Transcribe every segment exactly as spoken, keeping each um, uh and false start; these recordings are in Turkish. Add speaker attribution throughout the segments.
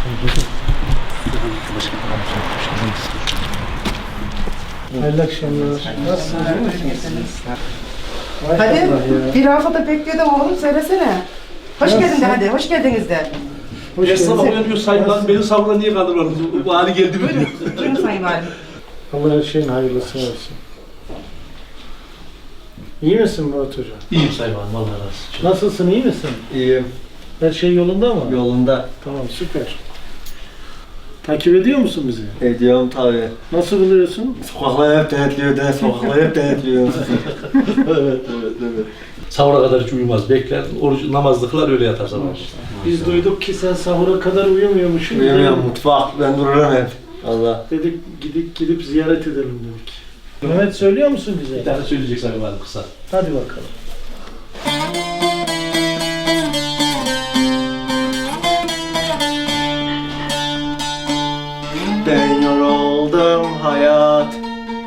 Speaker 1: Hayırlı akşamlar. Nasılsınız?
Speaker 2: Hadi bir haftada bekliyordum oğlum, söylesene. Hoş geldin de hadi, hoş geldiniz de.
Speaker 1: Hoş
Speaker 3: Her sabah
Speaker 1: geldiniz.
Speaker 3: uyanıyor sayılan, beni sabırla niye kaldırmadınız? Bu hali geldi mi diyor.
Speaker 2: Buyurun Sayın Valim.
Speaker 1: Allah her şeyin hayırlısı olsun. İyi misin Murat Hoca?
Speaker 3: İyiyim Sayın Valim, Allah razı olsun.
Speaker 1: Nasılsın, iyi misin?
Speaker 4: İyiyim.
Speaker 1: Her şey yolunda mı?
Speaker 4: Yolunda.
Speaker 1: Tamam, süper. Takip ediyor musun bizi?
Speaker 4: Ediyorum tabii.
Speaker 1: Nasıl buluyorsun?
Speaker 4: Sokaklar hep denetliyor de, sokaklar hep denetliyor.
Speaker 3: Evet, evet, evet. Sahura kadar hiç uyumaz, bekler, oruç, namazlı kılar, öyle yatar sabah.
Speaker 1: Biz duyduk ki sen sahura kadar uyumuyormuşsun.
Speaker 4: Uyumuyorum, mutfak, ben dururum hep. Allah.
Speaker 1: Dedik gidip gidip ziyaret edelim dedik. Mehmet söylüyor musun bize?
Speaker 3: Bir tane söyleyecek Sayın Valim kısa.
Speaker 1: Hadi bakalım.
Speaker 4: Ben yoruldum hayat,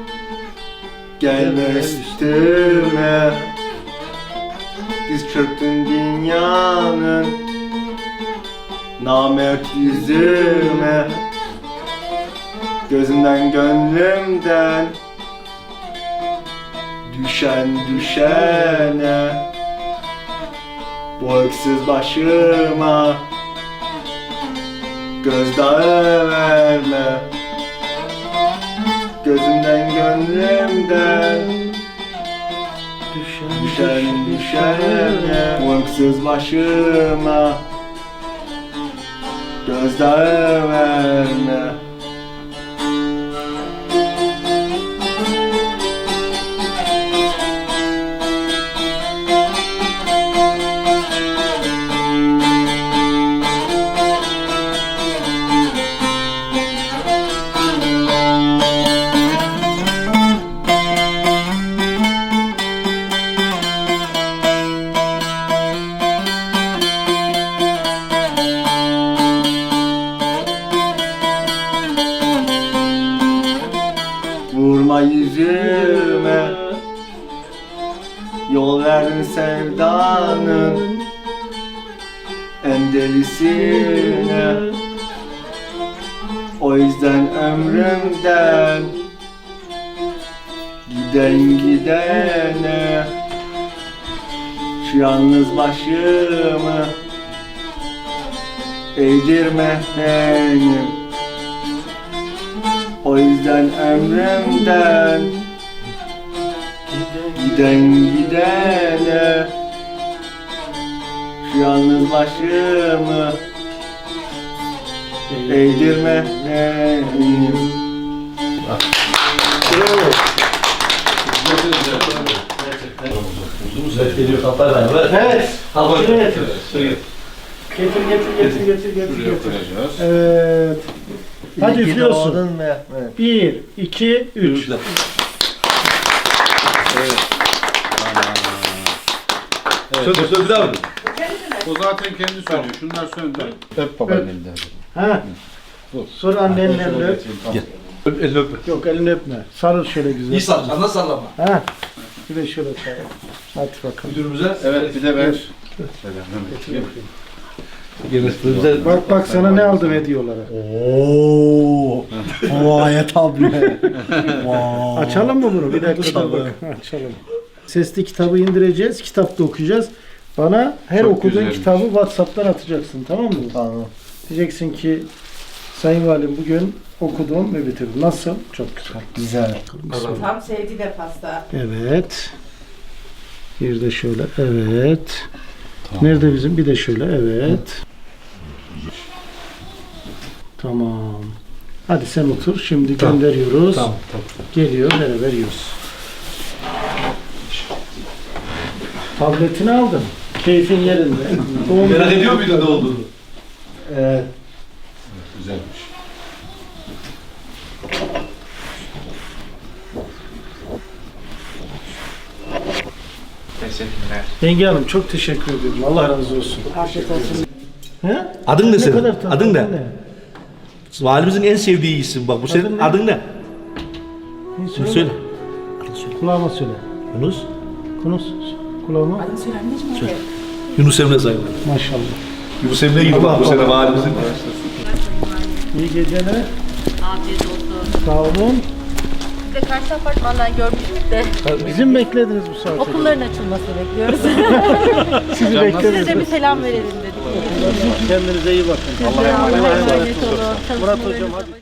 Speaker 4: gelme üstüme. Diz çöktün dünyanın namert yüzüme. Gözümden gönlümden düşen düşene, bu öksüz başıma gözdağı verme. Gözümden gönlümden düşen düşene, bu öksüz başıma gözdağı verme. Vurma yüzüme, yol verdin sevdanın en delisine. O yüzden ömrümden giden gidene, şu yalnız başımı eğdirme benim. O yüzden ömrümden giden gidene, şu yalnız başımı eğdirme benim.
Speaker 3: Güzel geliyor kaplar beraber.
Speaker 1: Evet.
Speaker 3: Al
Speaker 1: Şuraya getir.
Speaker 3: Şuraya.
Speaker 1: Getir getir getir getir getir.
Speaker 5: Şuraya
Speaker 1: getir.
Speaker 5: koyacağız.
Speaker 1: Evet. Hadi
Speaker 4: İyi ki
Speaker 1: üflüyorsun.
Speaker 4: doğdun Mehmet.
Speaker 1: Bir, iki, üç.
Speaker 3: Üçler. Söndür, söndür abi.
Speaker 5: O zaten kendi söylüyor. Şunlar söndü. Öp babanın
Speaker 1: Evet.
Speaker 5: elinden.
Speaker 1: Ha. Sonra annenle elini öp.
Speaker 5: Tamam.
Speaker 3: Öp, elini öpme.
Speaker 1: Yok elini öpme. Sarıl şöyle güzel.
Speaker 3: İyi sallama, nasıl sallama?
Speaker 1: Ha. Bir de şöyle sarıl. Hadi bakalım.
Speaker 3: Müdürümüze.
Speaker 5: Evet bir de ver.
Speaker 3: Gençlerimize.
Speaker 1: Bak bak sana ne aldım hediye olarak.
Speaker 4: Ooo. Vay tablet.
Speaker 1: Açalım mı bunu? Bir dakika dur bak. Açalım. Sesli kitabı indireceğiz. Kitapta okuyacağız. Bana her
Speaker 5: Çok
Speaker 1: okuduğun
Speaker 5: güzelmiş.
Speaker 1: kitabı WhatsApp'tan atacaksın. Tamam mı?
Speaker 4: Tamam.
Speaker 1: Diyeceksin ki Sayın Valim bugün okudum ve bitirdim. Nasıl? Çok güzel.
Speaker 4: Güzel.
Speaker 2: Tam sevdi de pasta.
Speaker 1: Evet. Bir de şöyle. Evet. Nerede bizim? Bir de şöyle. Evet. Tamam. Hadi sen otur. Şimdi
Speaker 3: Tamam.
Speaker 1: gönderiyoruz.
Speaker 3: Tamam, tamam.
Speaker 1: Geliyor. Beraber yiyoruz. Tabletini aldın. Keyfin yerinde. Doğum
Speaker 3: Merak
Speaker 1: günü-
Speaker 3: ediyor muydun ne olduğunu?
Speaker 1: Evet.
Speaker 5: Güzelmiş.
Speaker 6: Teşekkürler.
Speaker 1: Yenge Hanım çok teşekkür ediyorum. Allah razı olsun.
Speaker 2: Afiyet olsun.
Speaker 1: He?
Speaker 3: Adın ne
Speaker 1: Ne
Speaker 3: senin?
Speaker 1: kadar tatlı.
Speaker 3: Adın ne? Valimizin en sevdiği isim bak. Bu senin
Speaker 1: Adın ne?
Speaker 3: adın ne?
Speaker 1: Ne
Speaker 3: Söyle.
Speaker 1: söyle? Kulağıma söyle.
Speaker 3: Yunus.
Speaker 1: Konuş. Kulağıma.
Speaker 2: Adını söyle anneciğim hadi.
Speaker 3: Yunus Emre Sayın.
Speaker 1: Maşallah.
Speaker 3: Yunus Emre gibi bak bu sene valimizin.
Speaker 1: İyi geceler.
Speaker 6: Afiyet olsun.
Speaker 1: Sağ olun.
Speaker 6: Biz de karşı apartmandan görmüştük de
Speaker 1: Bizim beklediniz bu saate.
Speaker 6: okulların açılmasını bekliyoruz.
Speaker 1: Sizi
Speaker 6: Size
Speaker 1: bekleriz.
Speaker 6: de bir selam verelim dedik.
Speaker 1: Kendinize iyi bakın.
Speaker 6: Allah'a emanet olun.
Speaker 1: Murat hocam hadi.